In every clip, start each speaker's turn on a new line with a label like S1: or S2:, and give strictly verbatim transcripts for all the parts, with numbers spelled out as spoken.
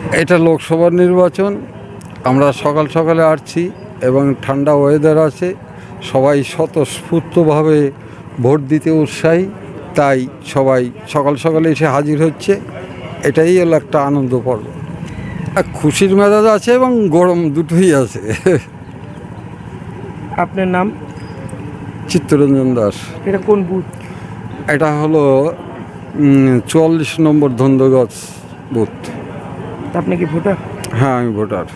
S1: এটা লোকসভার নির্বাচন, আমরা সকাল সকালে আসছি এবং ঠান্ডা ওয়েদার আছে, সবাই স্বতঃস্ফূর্তভাবে ভোট দিতে উৎসাহী, তাই সবাই সকাল সকালে এসে হাজির হচ্ছে। এটাই হলো একটা আনন্দ পর্ব, আর খুশির মেজাজ আছে এবং গরম দুটোই আছে।
S2: আপনার নাম?
S1: চিত্তরঞ্জন দাস।
S2: এটা কোন বুথ?
S1: এটা হলো চুয়াল্লিশ নম্বর ধন্দগজ বুথ।
S2: আপনি কি ভোটার?
S1: হ্যাঁ, আমি ভোটার।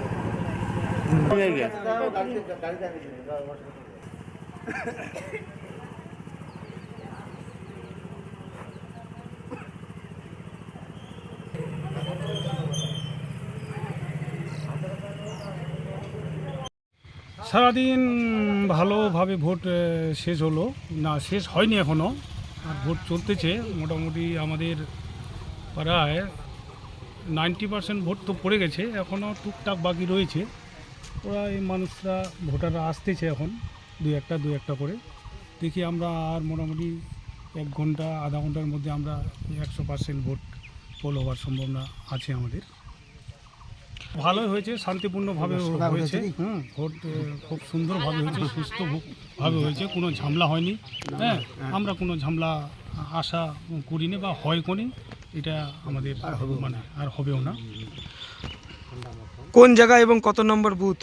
S3: সারাদিন ভালোভাবে ভোট আহ, শেষ হলো না, শেষ হয়নি এখনও, আর ভোট চলতেছে। মোটামুটি আমাদের প্রায় নাইনটি পার্সেন্ট ভোট তো পড়ে গেছে, এখনও টুকটাক বাকি রয়েছে। ওরা এই মানুষরা ভোটাররা আসতেছে এখন দুই একটা দুই একটা করে। দেখি আমরা আর মোটামুটি এক ঘন্টা আধা ঘন্টার মধ্যে আমরা একশো পার্সেন্ট ভোট পোল হওয়ার সম্ভাবনা আছে আমাদের। ভালোই হয়েছে, শান্তিপূর্ণভাবে হয়েছে। হুম, ভোট আহ, খুব সুন্দরভাবে হয়েছে, সুস্থভাবে হয়েছে, কোনো ঝামেলা হয়নি। হ্যাঁ, আমরা কোনো ঝামেলা আশা করিনি বা হয় কোনি, এটা আমাদের মানে আর হবেও না।
S2: কোন জায়গা এবং কত নম্বর বুথ?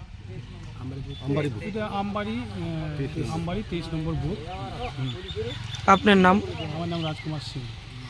S3: এটা আমবাড়ি, আহ, আমবাড়ি তেইশ নম্বর বুথ।
S2: আপনার নাম?
S3: আমার নাম রাজকুমার সিং।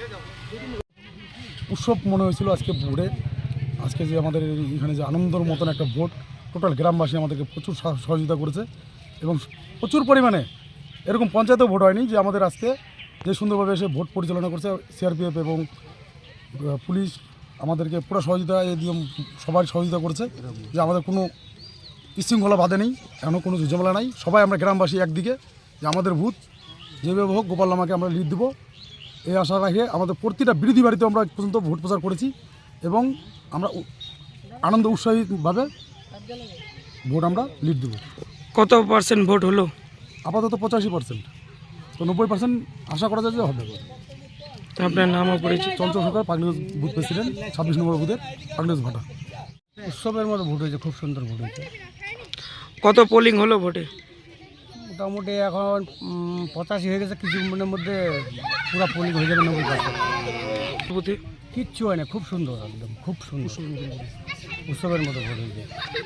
S4: উৎসব মনে হয়েছিল আজকে ভোটে। আজকে যে আমাদের এখানে যে আনন্দর মতন একটা ভোট, টোটাল গ্রামবাসী আমাদেরকে প্রচুর সহ- সহযোগিতা করেছে এবং প্রচুর পরিমাণে এরকম পঞ্চায়েতেও ভোট হয়নি যে আমাদের আজকে যে সুন্দরভাবে এসে ভোট পরিচালনা করছে সিআরপিএফ এবং আহ, পুলিশ আমাদেরকে পুরো সহযোগিতা এ দিয়ে সবাই সহযোগিতা করেছে, যে আমাদের কোনো বিশৃঙ্খলা বাধে নেই, এখনও কোনো ঝামেলা নাই। সবাই আমরা গ্রামবাসী একদিকে, যে আমাদের ভূত যেভাবে হোক গোপাল লামাকে আমরা লিড দেবো এই আশা রাখে আমাদের প্রতিটা বিরোধী বাড়িতে আমরা আজ পর্যন্ত ভোট প্রচার করেছি এবং আমরা উ- আনন্দ উৎসাহীভাবে ভোট আমরা লিড দেবো।
S2: কত পার্সেন্ট ভোট হলো?
S4: আপাতত পঁচাশি পার্সেন্ট, তো নব্বই পার্সেন্ট আশা করা যায় যে হবে।
S2: আপনার নামও পড়েছে?
S4: চঞ্চল সরকার, পাগলিগঞ্জ বুথ প্রেসিডেন্ট, ছাব্বিশ নম্বর বুথের পাগলিগঞ্জ ভাটা।
S5: উৎসবের মতো ভোট হয়েছে, খুব সুন্দর ভোট হয়েছে।
S2: কত পোলিং হলো ভোটে?
S5: মোটামুটি এখন উম, পঁচাশি হয়ে গেছে, কিছু মিনিটের মধ্যে পুরো পোলিং হয়ে যাবে নব্বই পার্সেন্ট।
S2: বুথে
S5: কিচ্ছু হয় না, খুব সুন্দর, একদম খুব সুন্দর উৎসবের মতো ভোট হয়েছে।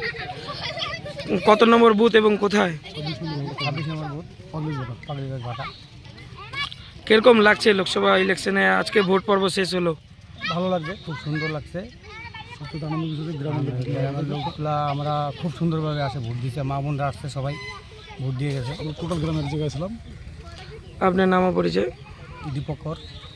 S2: কত নম্বর বুথ এবং কোথায়?
S5: ছাব্বিশ নম্বর ভোট, পাগলিগঞ্জ ভাটা।
S2: কিরকম লাগছে লোকসভা ইলেকশনে আজকে ভোট পর্ব শেষ হলো?
S5: ভালো লাগছে, খুব সুন্দর লাগছে।
S4: সত্যি আনন্দ বিষয় গ্রামের
S5: গ্রামের লোকগুলা আমরা খুব সুন্দরভাবে আসে ভোট দিচ্ছে, মা বোনরা আসছে, সবাই ভোট দিয়ে গেছে।
S4: টোটাল গ্রামের জায়গায় ছিলাম।
S2: আপনার নামও পরিচয়?
S5: দীপক কর।